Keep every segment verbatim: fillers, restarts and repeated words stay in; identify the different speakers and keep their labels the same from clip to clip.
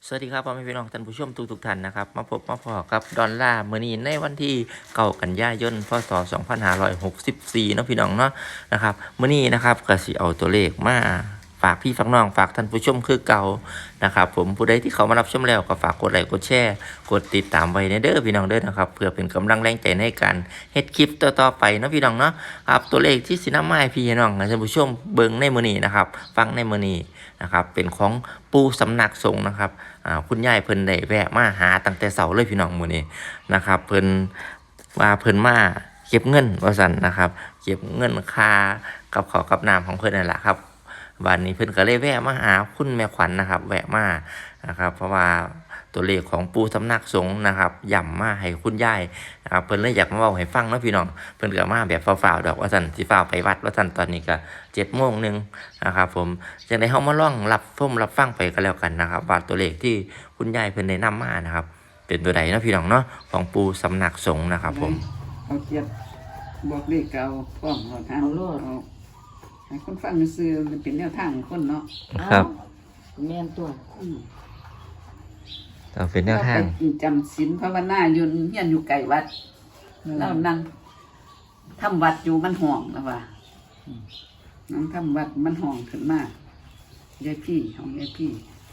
Speaker 1: สวัสดีครับพ่อแม่พี่น้องท่านผู้ชมทุกทุกท่านนะครับมาพบมาพอกับดอลลาร์มื้อนี้ในวันที่เก้ากันยายนพศสองพันห้าร้อยหกสิบสี่เนาะพี่น้องเนาะนะครับมื้อนี้นะครับก็สิเอาตัวเลขมาฝากพี่ฝากน้องฝากท่านผู้ชมคือเก่านะครับผมผู้ใดที่เขามารับชมแล้วก็ฝากกดไลค์กดแชร์กดติดตามไว้ในเด้อพี่น้องเด้อนะครับเพื่อเป็นกำลังแรงใจในการเฮ็ดคลิปต่อๆไปเนาะพี่น้องเนาะครับตัวเลขที่สินำมาให้พี่น้องท่านผู้ชมเบิ่งในมื้อนี้นะครับฟังในมื้อนี้นะครับเป็นของปู่สำนักสงฆ์นะครับอ่าคุณยายเพิ่นได้แวะมาหาตั้งแต่เช้าเลยพี่น้องมื้อนี้นะครับเพิ่นว่าเพิ่นมาเก็บเงินว่าซั่นนะครับเก็บเงินค่ากับข้าวกับน้ำของเพิ่นนั่นแหละครับวันนี้เพิ่นก็เลยแวะมาหาคุณแม่ขวัญนะครับแวะมานะครับเพราะว่าตัวเลขของปู่สำนักสงฆ์นะครับย่ำมาให้คุณยายนะครับเพิ่นเลยอยากมาเว้าให้ฟังเนาะพี่น้องเพิ่นก็มาแบบฟ้าวๆดอกว่าซั่นสิฟ้าวไปวัดว่าซั่นตอนนี้ก็เจ็ดโมงนึงนะครับผมจังได๋เฮามาลองรับชมรับฟังไปก็แล้วกันนะครับว่าตัวเลขที่คุณยายเพิ่นได้นำมานะครับเป็นตัวใดเนาะพี่น้องเนาะของปู่สำนักสงฆ์นะครับผม
Speaker 2: เอาเจ็บบอกเลขเก่าพร้อมเอาทาง
Speaker 3: เอาโลด
Speaker 2: เอาให้คนฟังซื่อมันเป็นแนวทางของคนเนาะ
Speaker 1: ครับ
Speaker 3: แม่นตัว
Speaker 2: อืม
Speaker 1: เอาเป็นแนวทาง
Speaker 2: เรไปจำศีลภาวนาอยู่เฮียนอยู่ไกลวัดแล้วนั่งทำวัดอยู่มันห่องแล้วว่านั่งทำวัดมันห่องขึ้นมากยายพี่ของยายพี่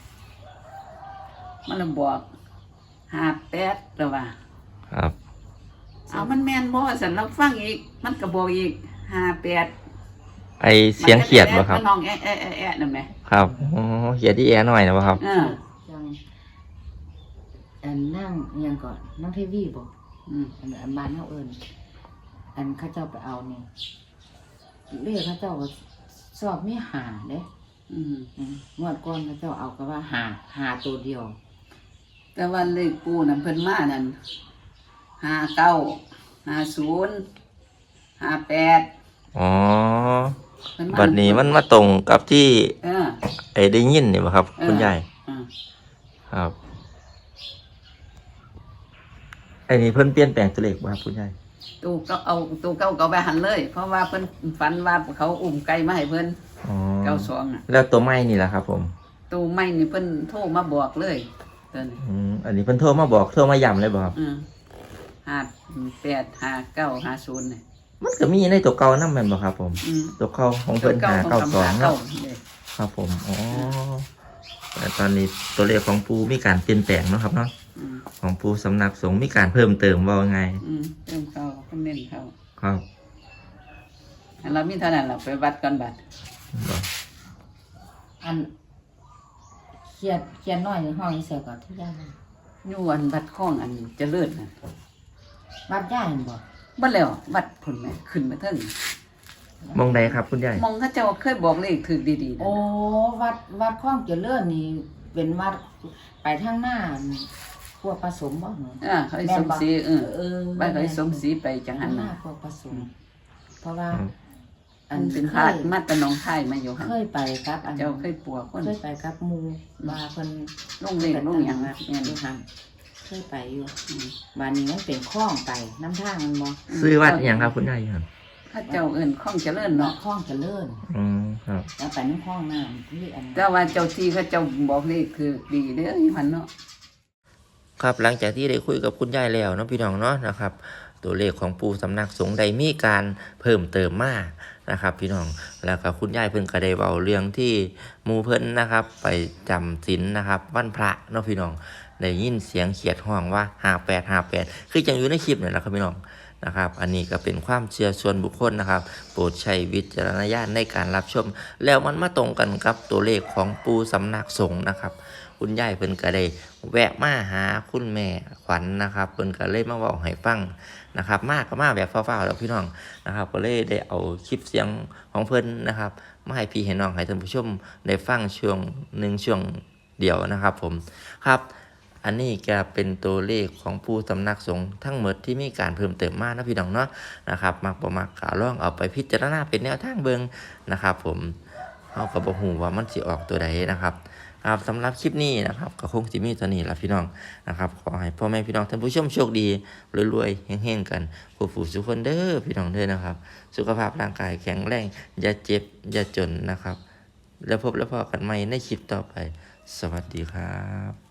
Speaker 2: มันเลยบอกหาแปดแล้วว่า
Speaker 1: ครับ
Speaker 2: เอามันแม่นบ่สันเราฟังอีก มันก็บอกอีกห้าแปด
Speaker 1: ไอเสียงเขียดบ่ครับ
Speaker 2: มันห้องแอะแอะแอะแอะนั่นแหม
Speaker 1: ครับอ๋อเขียดที่แอหน่อยนะบ่ครับ
Speaker 2: เออ
Speaker 3: จังอันนั่งอิหยังก่อนนั่งเทวีบ่
Speaker 2: อืม
Speaker 3: อันอันบ้านเฮาเอิ้นอันเขาเจ้าไปเอานี่เลขเขาเจ้าก็สอบมีหาเด้
Speaker 2: อืม
Speaker 3: อืมงวดก่อนเขาเจ้าเอาก็ว่าหาหาตัวเดียว
Speaker 2: แต่ว่าเลขปูนั่นเพิ่นมานั่นห้าเก้าห้าศูนย์ห้าแปด
Speaker 1: อ๋อ
Speaker 2: เพิ่นมา
Speaker 1: บัดนี้มันมาตรงกับที่
Speaker 2: เออ
Speaker 1: ไอ้ได้ยินนี่บ่ครับ
Speaker 2: เออ
Speaker 1: คุณยาย
Speaker 2: อ่า
Speaker 1: ครับไอ้นี่เพิ่นเปลี่ยนแปลงตัวเลขบ่ครับคุณยาย
Speaker 2: ตูก็เอาตูเก้าเก้าไปหันเลย เพราะว่าเพิ่นฝันว่าเขาอุ้มไก่มาให้เพิ่น
Speaker 1: อ๋อ
Speaker 2: เก้าสองอ่ะ
Speaker 1: แล้วตัวไม้นี่ล่ะครับผม
Speaker 2: ตูไม่นี่เพิ่นโทรมาบอกเลยเพิ่น
Speaker 1: อืมอันนี้เพิ่นโทรมาบอกโทรมาย้ำเลยบ่ครับ
Speaker 2: อืมห้าแปดห้าเก้าห้าศูนย์เนี่ย
Speaker 1: มันก็มีในตัวเก่านำแม่นบ่ครับผม
Speaker 2: อืม
Speaker 1: ตัวเก่าของเพิ่น
Speaker 2: เก้า
Speaker 1: หา
Speaker 2: ของ
Speaker 1: เก้า
Speaker 2: คำ
Speaker 1: สอง
Speaker 2: หา
Speaker 1: เนาะ
Speaker 2: เก้าเนี่ย
Speaker 1: ครับผมอ๋อแต่ตอนนี้ตัวเลขของปูมีการเปลี่ยนแปลงเนาะครับเนาะ
Speaker 2: อืม
Speaker 1: ของปูสำนักสงฆ์มีการเพิ่มเติมว่าไง
Speaker 2: อืมเรื่องเขาเขาเน้นเขา
Speaker 1: ครับ
Speaker 2: อันเรามีเท่านั้นเราไปวัดก่อนบัด
Speaker 1: บอก
Speaker 3: อันเขียนเขียนน้อยในห้องอีเสียก่อนที่ย่า
Speaker 2: อยู่อันวัดข้องอันเจริญน่ะ
Speaker 3: วัดย่าเห็นบ่
Speaker 2: บ่แล้ววัดผลแม่ขึ้นมาเทิง
Speaker 1: มองใดครับคุณยาย
Speaker 2: มองเขาเจ้าเคยบอกเลขถึกดีๆนะ
Speaker 3: โอ้วัดวัดคลองเจริญนี่เป็นวัดไปทางหน้าพวกผสมบ่หนู
Speaker 2: อ่าเขาให้สมศรีเออ
Speaker 3: เออ
Speaker 2: บ้านเขาให้สมศรีไปจังหัน
Speaker 3: หน้า
Speaker 2: น่ะ
Speaker 3: พวกผสม เพราะว่า
Speaker 2: อันเป็นพาดมาแตะนองไทยมาอยู่หั่น
Speaker 3: เคยไปกับอัน
Speaker 2: เจ้าเคยปัวคน
Speaker 3: เคยไปกับหมูมาเพิ่น
Speaker 2: ลงเลขลงหยังนะแม่น
Speaker 3: อยู่หั่นเคยไปอยู่บ้านนี้มันเป็นคลองไปน้ำทางมันบ่
Speaker 1: ซื้อวัดอหย่างครับคุณยายครับ
Speaker 2: เขาเจ้าเอิ้นข้องเจริญ
Speaker 3: เนาะ
Speaker 2: เนาะ
Speaker 3: คลองเจริญ
Speaker 1: อืมครับ
Speaker 3: แล้วไปน้ำคลองน้ำที่อัน
Speaker 2: แต่ว่าเจ้าที่เขาเจ้าบอกเลขคือดีเด้ออยู่หั่นเนาะ
Speaker 1: ครับหลังจากที่ได้คุยกับคุณยายแล้วเนาะพี่น้องเนาะนะครับ ตัวเลขของปูสำนักสงฆ์ได้มีการเพิ่มเติมมานะครับ พี่น้องแล้วก็คุณยายเพิ่นก็ได้เว้าเรื่องที่หมู่เพิ่นนะครับ ไปจำศีลนะครับวันพระเนาะพี่น้องได้ยินเสียงเขียดห้องว่าห้าแปดห้าแปดคือจังอยู่ในคลิปนี่แหละครับพี่น้องนะครับ อันนี้ก็เป็นความเชื่อส่วนบุคคลนะครับ โปรดใช้วิจารณญาณในการรับชม แล้วมันมาตรงกันกับตัวเลขของปูสำนักสงฆ์นะครับ คุณยายเพิ่นก็ได้แวะมาหาคุณแม่ขวัญนะครับเพิ่นก็เลยมาเว้าให้ฟังนะครับมากก็มาแบบฟ้าวๆแล้วพี่น้องนะครับก็เลยได้เอาคลิปเสียงของเพิ่นนะครับมาให้พี่ให้น้องให้ท่านผู้ชมได้ฟังช่วงหนึ่งช่วงเดียวนะครับผมครับ อันนี้ก็เป็นตัวเลขของผู้สำนักสงฆ์ทั้งหมดที่มีการเพิ่มเติมมานะพี่น้องเนาะนะครับมักบ่มักก็ลองเอาไปพิจารณาเป็นแนวทางเบิ่งนะครับผมเฮาก็บ่ฮู้ว่ามันสิออกตัวใดนะครับครับสำหรับคลิปนี้นะครับก็คงสิมีเท่านี้ล่ะพี่น้องนะครับขอให้พ่อแม่พี่น้องท่านผู้ชมโชคดีรวยๆเฮงๆกันผู้ผู้ทุกคนเด้อพี่น้องเด้อนะครับสุขภาพร่างกายแข็งแรงอย่าเจ็บอย่าจนนะครับแล้วพบแล้วพอกันใหม่ในคลิปต่อไปสวัสดีครับ